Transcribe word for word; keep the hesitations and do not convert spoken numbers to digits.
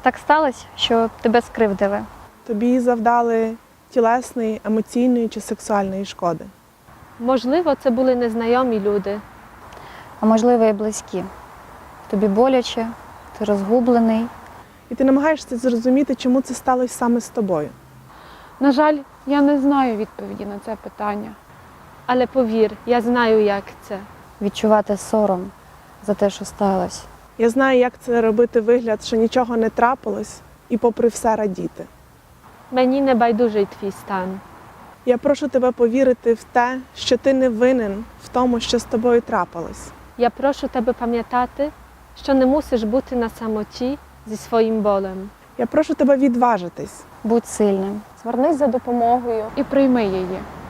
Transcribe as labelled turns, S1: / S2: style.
S1: Так сталося, що тебе скривдили.
S2: Тобі завдали тілесної, емоційної чи сексуальної шкоди.
S3: Можливо, це були незнайомі люди.
S1: А можливо, і близькі. Тобі боляче, ти розгублений.
S2: І ти намагаєшся зрозуміти, чому це сталося саме з тобою.
S4: На жаль, я не знаю відповіді на це питання.
S3: Але повір, я знаю, як це.
S1: Відчувати сором за те, що сталося.
S2: Я знаю, як це робити вигляд, що нічого не трапилось, і попри все радіти.
S3: Мені не байдужий твій стан.
S2: Я прошу тебе повірити в те, що ти не винен в тому, що з тобою трапилось.
S3: Я прошу тебе пам'ятати, що не мусиш бути на самоті зі своїм болем.
S2: Я прошу тебе відважитись.
S1: Будь сильним.
S5: Звернись за допомогою.
S4: І прийми її.